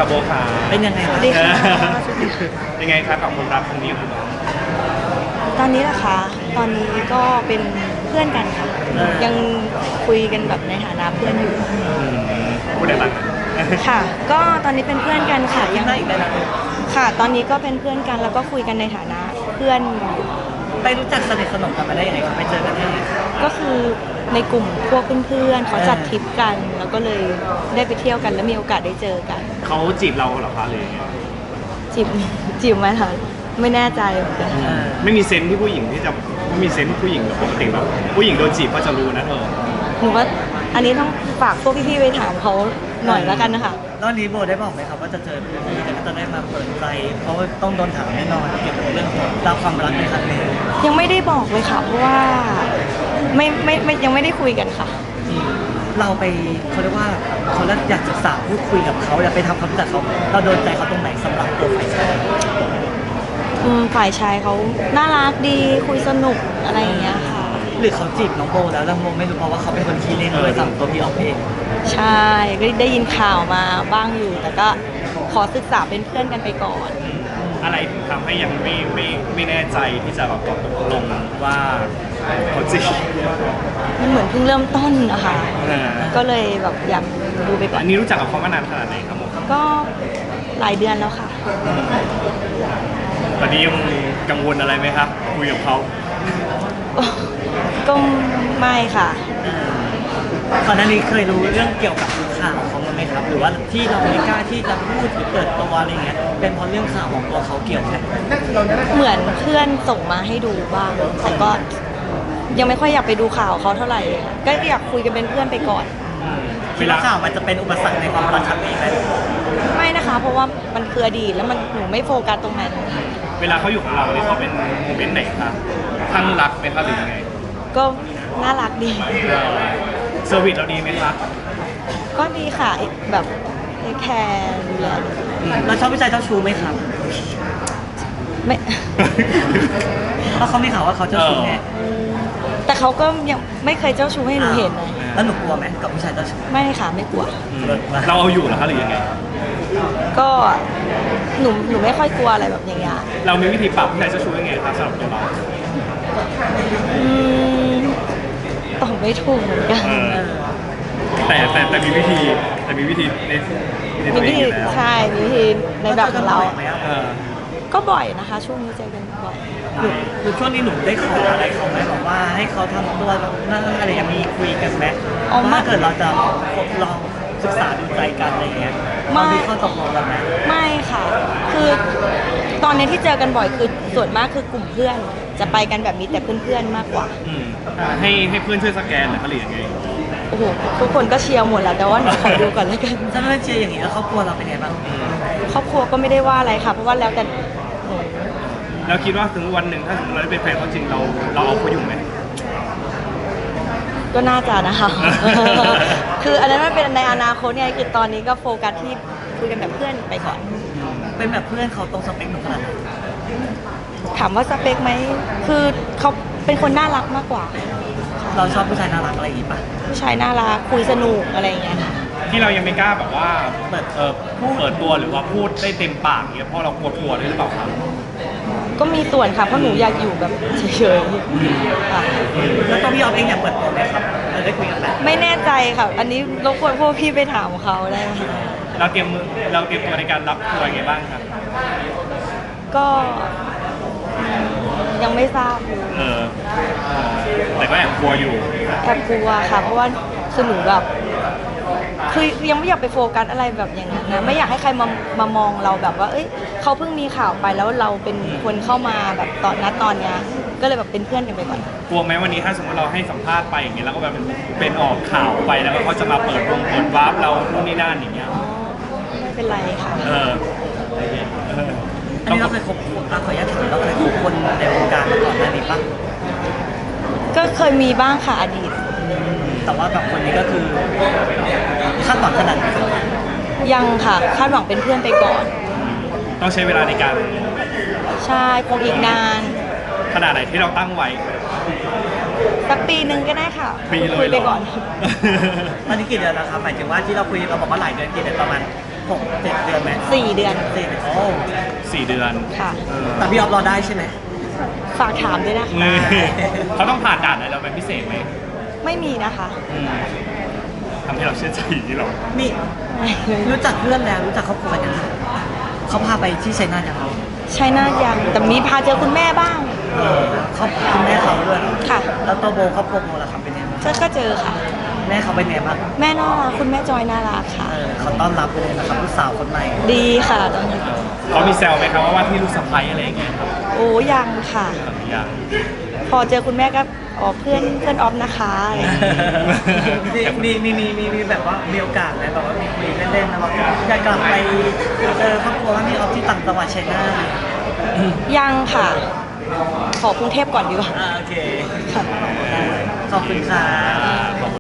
โบขาเป็นยังไงสวัสดีค่ะยังไงครับกับความรักครั้งนี้ของเราตอนนี้ล่ะคะตอนนี้ก็เป็นเพื่อนกันค่ะ ยังคุยกันแบบในฐานะเพื่อนอยู่พูดได้บ้างค่ะ ก็ตอนนี้เป็นเพื่อนกันค่ะยัยัง งได้อีกได้ไหมค่ะ ตอนนี้ก็เป็นเพื่อนกันแล้วก็คุยกันในฐานะเพื่อนอยู่ไปรู้จักสนิทสนมกันมาได้ยังไงครับไปเจอกันได้ยังไงก็คือในกลุ่มพวกเพื่อนๆเขาจัดทริปกัน แล้วก็เลยได้ไปเที่ยวกันแล้วมีโอกาสได้เจอกันเขาจีบเราเหรอคะหรือยังไงจีบจีบไหมคะไม่แน่ใจเหมือนกันไม่มีเซนส์ที่ผู้หญิงที่จะไม่มีเซนส์ผู้หญิงปกติแบบผู้หญิงโดนจีบก็จะรู้นะเธอหนูว่าอันนี้ต้องฝากพวกพี่ๆไปถามเขาหน่อยแล้วกันนะคะแล้วนี้โบได้บอกไหมครับว่าจะเจอเพื่อนนี้แต่ก็จะได้มาเปิดใจเพราะว่าต้องโดนถามแน่นอนเกี่ยวกับเรื่องของราวความรักในครั้งนี้ยังไม่ได้บอกเลยค่ะเพราะว่าไม่ยังไม่ได้คุยกันค่ะเราไปเขาเรียกว่าเขาเรียกอยากศึกษาพูดคุยกับเขาอยากไปทำความรู้จักเขาเราโดนใจเขาตรงไหนสำหรับตัวฝ่ายชายฝ่ายชายเขาน่ารักดีคุยสนุกอะไรอย่างเงี้ยค่ะหรือเขาจีบน้องโบแล้วแล้วโบไม่รู้เพราะว่าเขาเป็นคนขี้เล่นเลยสั่งตัวพี่ออกเองใช่ก็ได้ยินข่าวมาบ้างอยู่ แต่ก็ขอศึกษาเป็นเพื่อนกันไปก่อนอะไรถึงทำให้ยังไม่แน่ใจที่จะแบบตกลงว่าเขาจีบมันเหมือนเพิ่งเริ่มต้นนะคะอ่าก็เลยแบบอยากดูไปก่ออันนนี้รู้จักกับเขามานานขนาดไหนครับผมก็หลายเดือนแล้วค่ะตอนนี้ยังกังวลอะไรไหมครับคุยกับเขาก็ไม่ค่ะก่อนหน้านี้เคยรู้เรื่องเกี่ยวกับข่าวของมันไหมครับ หรือว่าที่เราไม่กล้าที่จะพูดหรือเปิดตัวอะไรเงี้ยเป็นเพราะเรื่องข่าวของตัวเขาเกี่ยวไหมเหมือนเพื่อนส่งมาให้ดูบ้างแต่ก็ยังไม่ค่อยอยากไปดูข่าวเขาเท่าไหร่ ก็อยากคุยกันเป็นเพื่อนไปก่อนคิดว่าข่าวมันจะเป็นอุปสรรคในความรักครั้งนี้ไหมไม่นะคะ เพราะว่ามันคืออดีตแล้วมันหนูไม่โฟกัสตรงนั้นเวลาเขาอยู่กับเราเนี่ยเขาเป็นโมเมนต์ไหนครับข้างรักไหมครับหรือยังไงก็น่ารักดีเซอร์วิสเราดีไหมครับก็ดีค่ะแบบเทคแคร์ดูแลเราชอบผู้ชายเจ้าชู้ไหมครับไม่เพราะเขาไม่ข่าวว่าเขาเจ้าชู้ไงแต่เขาก็ยังไม่เคยเจ้าชู้ให้หนูเห็นนะแล้วหนูกลัวไหมกับผู้ชายเจ้าชู้ไม่ค่ะไม่กลัวเราเอาอยู่เหรอคะหรือยังไงก็หนูไม่ค่อยกลัวอะไรแบบอย่างเงี้ยเรามีวิธีปรับผู้ชายเจ้าชู้ยังไงครับสำหรับตัวเราอืมตอบไม่ถูกเหมือนกันแต่มีวิธีในตัวเองอยู่แล้วใช่มีวิธีในแบบของเราไหมครับเออก็บ่อยนะคะ ช่วงนี้เจอกันบ่อยหรือช่วงนี้หนูได้ขออะไรเขาไหมบอกว่าให้เขาทำตัวแบบนั่นอะไรอย่างมีคุยกันไหมถ้าเกิดเราจะลองศึกษาดูใจกันอะไรเงี้ยเรามีข้อตกลงกันไหมไม่ค่ะ คือตอนนี้ที่เจอกันบ่อยคือส่วนมากคือกลุ่มเพื่อน จะไปกันแบบนี้แต่เพื่อนๆมากกว่าอืมให้เพื่อนช่วยสแกนเหรอคะหรือยังไงโอ้โหทุกคนก็เชียร์หมดแล้วแต่ว่าหนูขอดูก่อนแล้วกันถ้าไม่เชียร์อย่างนี้แล้วครอบครัวเราเป็นไงบ้างครอบครัวก็ไม่ได้ว่าอะไรค่ะ เพราะว่าแล้วแต่หนูแล้วคิดว่าถึงวันหนึ่งถ้าสมมติเราได้เป็นแฟนเขาจริงเราเอาเขาอยู่ไหมก็น่าจะนะคะ คืออันนั้นมันเป็นในอนาคตไงคือตอนนี้ก็โฟกัสที่คุยกันแบบเพื่อนไปก่อนเป็นแบบเพื่อนเขาตรงสเปคหนูขนาดไหนถามว่าสเปคไหมคือเขาเป็นคนน่ารักมากกว่าเราชอบผู้ชายน่ารักอะไรอย่างงี้ป่ะผู้ชายน่ารักคุยสนุกอะไรอย่างเงี้ยค่ะที่เรายังไม่กล้าแบบว่าเปิดตัวหรือว่าพูดได้เต็มปากอย่างเงี้ยเพราะเรากลัวด้วยหรือเปล่าครับก็มีส่วนค่ะเพราะหนูอยากอยู่แบบเฉยๆค่ะแล้วตัวพี่ออฟเองอยากเปิดตัวไหมครับเราได้คุยกันไหมไม่แน่ใจค่ะ อันนี้รบกวนพวกพี่ไปถามเขาได้ไหมคะเราเตรียมตัวในการรับตัวยังไงบ้างครับก็ยังไม่ทราบเลยแต่ก็แอบกลัวอยู่แอบกลัวค่ะ เพราะว่าคือหนูแบบคือยังไม่อยากไปโฟกัสอะไรแบบอย่างนั้นนะไม่อยากให้ใครมามองเราแบบว่า เอ้ยเขาเพิ่งมีข่าวไปแล้วเราเป็นคนเข้ามาแบบตอนเนี้ยก็เลยแบบเป็นเพื่อนกันไปก่อนกลัวไหมวันนี้ถ้าสมมติเราให้สัมภาษณ์ไปอย่างเงี้ยแล้วก็แบบเป็นออกข่าวไปแล้วก็เขาจะมาเปิดวาร์ปเรานู่นนี่นั่นอย่างเงี้ยอ๋อไม่เป็นไรค่ะเอออันนี้เราเคยคบขออนุญาตถามเราเคยคบคนในวงการมาก่อนหน้านี้ป่ะก็เคยมีบ้างค่ะอดีตแต่ว่าแบบคนนี้ก็คือคาดหวังขนาดไหนยังค่ะคาดหวังเป็นเพื่อนไปก่อนต้องใช้เวลาในการใช่คงอีกนานขนาดไหนที่เราตั้งไว้สักปีหนึ่งก็ได้ค่ะปีเลยคุยไปก่อนตอนนี้กี่เดือนแล้วครับหมายถึงว่าที่เราคุยเราบอกว่าหลายเดือนกี่เดือนประมาณ 6-7 เดือนไหม 4 เดือน 4 เดือนโอ้ 4 เดือนค่ะแต่พี่ออฟรอได้ใช่ไหมฝากถามด้วยนะเขาต้องผ่านด่านอะไรเราเป็นพิเศษไหมไม่มีนะคะอืมทำให้เราเชื่อใจที่เรานี่รู้จักเพื่อนแล้วรู้จักครอบครัวยังเขาพาไปที่ชัยนาทยังครับใช่น่ายังแต่มีพาเจอคุณแม่บ้างเขาคุณแม่เขาด้วยค่ะแล้วตัวโบครอบครัวโบล่ะครับเป็นยังไงบ้างก็เจอค่ะแม่เขาเป็นยังไงบ้างแม่น่ารักคุณแม่จอยน่ารักค่ะเขาต้อนรับเลยนะครับลูกสาวคนใหม่ดีค่ะตอนนี้เขามีแซวไหมครับว่าที่ลูกสะใภ้อะไรอย่างเงี้ยครับโอ้ยังค่ะอย่างพอเจอคุณแม่ก็อ๋อเพื่อนออฟนะคะอะไรอย่างเงี้ยมีแบบว่ามีโอกาสไหมแบบว่ามีคุยเล่นๆนะแบบอยากกลับไปเจอครอบครัวว่ามีออฟที่ต่างจังหวัดชัยนาทยังค่ะ ขอกรุงเทพก่อนดีกว่าโอเคค่ะขอบคุณค่ะขอบคุณ